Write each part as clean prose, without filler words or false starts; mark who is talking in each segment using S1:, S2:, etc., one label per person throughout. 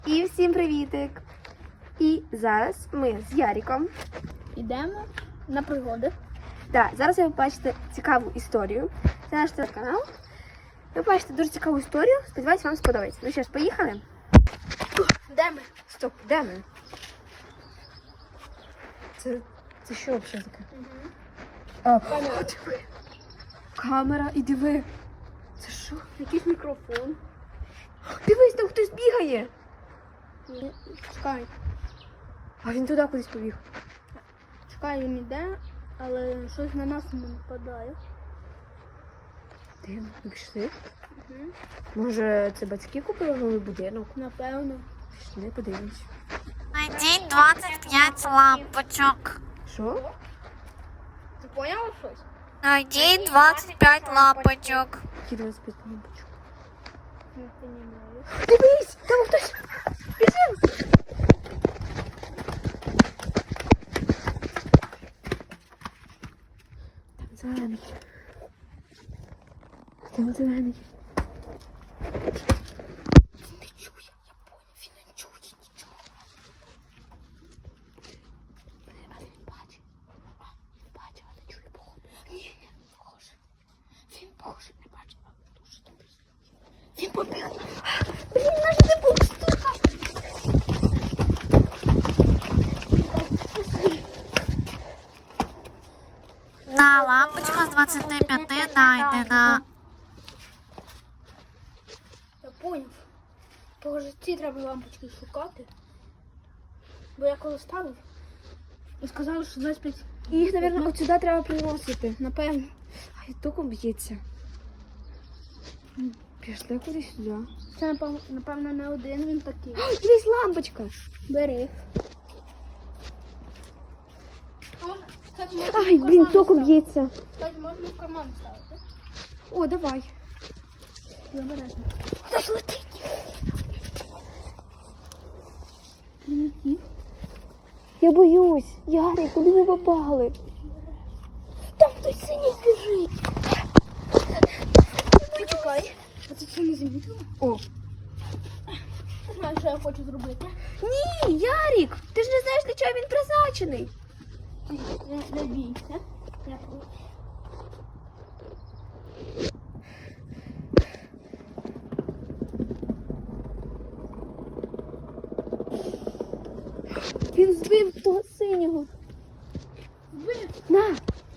S1: І всім привітик! І зараз ми з Яриком
S2: йдемо на пригоди.
S1: Так, зараз ви побачите цікаву історію. Це наш телеканал. Ви побачите дуже цікаву історію. Сподіваюсь, вам сподобається. Ну що ж, поїхали?
S2: Де ми?
S1: Стоп, де ми? Це що взагалі таке?
S2: Камера.
S1: Диви. Камера і диви. Це що?
S2: Якийсь мікрофон.
S1: Дивись, там хтось бігає.
S2: Чекай.
S1: А він туди кудись побіг.
S2: Чекай, він йде, але щось на нас не нападає.
S1: Дивно, ви пішли? Може, це батьки купили новий будинок?
S2: Напевно.
S1: Пішли, подивимось.
S3: Найдіть 25 лампочок.
S1: Що?
S2: Ти поняла щось?
S3: Найдіть 25 лампочок.
S1: Які 25 лампочок?
S2: Не розумію.
S1: Дивись, там хтось. Біжим. Там зелений. Там зелений. Він не чує, я поняв, він не чує нічого. Але він бачить. Він бачить, але не чує, походу. Ні, не похоже. Він похоже, не бачить, але дуже добре. Він побіг. Блін, наш не був стука.
S3: На лампочка з 25 найдена.
S2: Я поняв. Похоже, ці треба лампочки шукати. Бо я коли ставив і сказали, що 25.
S1: Їх, мабуть, от сюди треба приносити.
S2: Напевно.
S1: Ай, током б'ється. Пішли кудись сюди.
S2: Це, напевно, не один він такий.
S1: Ой, дивись, лампочка.
S2: Бери.
S1: Ай, блін, током б'ється.
S2: Кстати, можна в карман ставити.
S1: О, давай.
S2: Забережно.
S1: Хтось летить. Я боюсь. Ярик, куди ви попали? Там хтось синій біжить.
S2: Почекай. А ти це не замітила?
S1: О.
S2: Знаєш, що я хочу зробити?
S1: Ні, Ярик, ти ж не знаєш, для чого він призначений.
S2: Не бійся.
S1: Він збив того синього.
S2: Збив?
S1: На.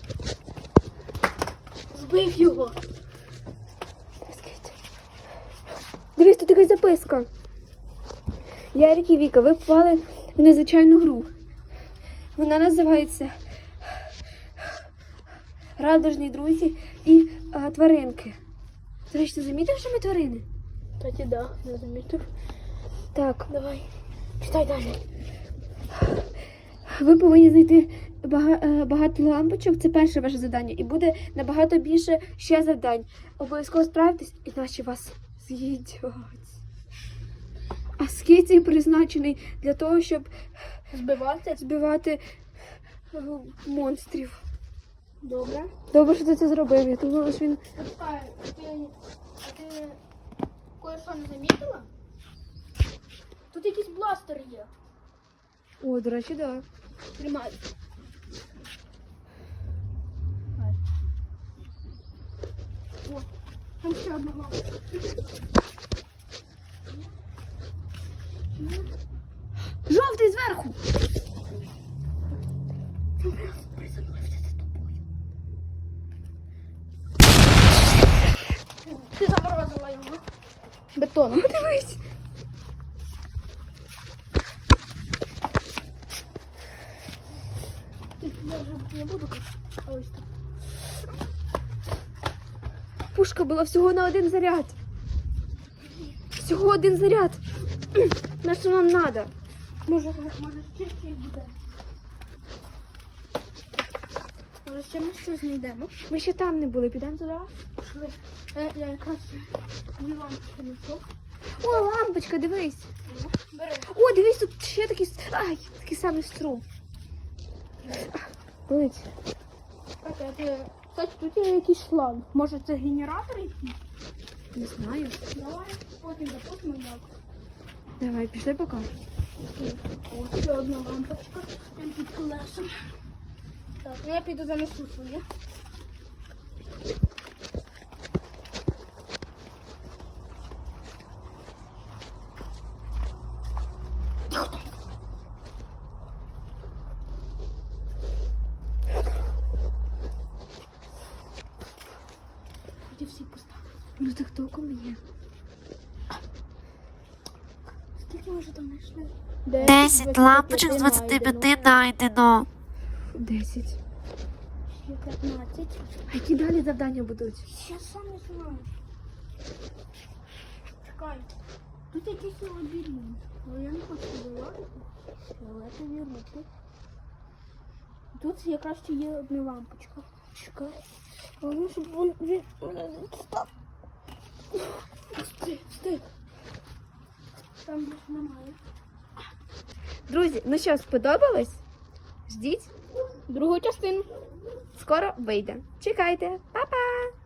S2: Збив його.
S1: Дивись, тут якась записка. Ярик і Віка, ви попали в незвичайну гру. Вона називається Радужні друзі і тваринки. До речі, ти замітив, що ми тварини?
S2: Кстати, да, не замітив.
S1: Так,
S2: Давай. Читай далі.
S1: ви повинні знайти багато лампочок. Це перше ваше завдання. І буде набагато більше ще завдань. Обов'язково справитесь, іначе вас з'їдять. А скицей призначений для того, щоб збивати монстрів.
S2: Добре.
S1: Добре, що ти це зробив. Я думала, що він...
S2: Почекай, а ти кое-що не замітила? Тут якийсь бластер є.
S1: О, до речі, так. Да.
S2: Тримай. О, там ще одна лампа.
S1: Жовтий зверху!
S2: Ти заморозила його. Бетоном.
S1: Подивись!
S2: Я вже не буду казати. А ось так.
S1: Пушка була всього на один заряд. Всього один заряд. На що нам треба?
S2: Може ще щось буде. Може ще ми щось знайдемо.
S1: Ми ще там не були, підемо туди.
S2: Пішли. Я якраз дві лампочки знайшов.
S1: О, лампочка, дивись.
S2: Бери.
S1: О, дивись, тут ще такий, такий самий струм. Болить.
S2: Кстати, тут є якийсь шланг. Може це генератор якийсь?
S1: Не знаю.
S2: Давай потім запустимо як.
S1: Давай, пішли поки.
S2: Ось ще одна лампочка. Там під колесом. Так, ну я піду занесу своє. Тоді всі поставили.
S1: Ну так толком є.
S2: Скільки ми вже там знайшли?
S3: 10 лампочок з 25 знайдено.
S1: 10.
S2: Ще 15.
S1: А які далі завдання будуть?
S2: Я сам не знаю. Чекай. Тут якийсь лабіринт. Але я не хочу вилазити. Фіолетові руки. Тут якраз ще є одна лампочка. Чекай. Головне, щоб він мене не дістав. Встиг. Там більше немає.
S1: Друзі, ну що, сподобалось? Ждіть,
S2: Другу частину.
S1: скоро вийде. Чекайте, па-па!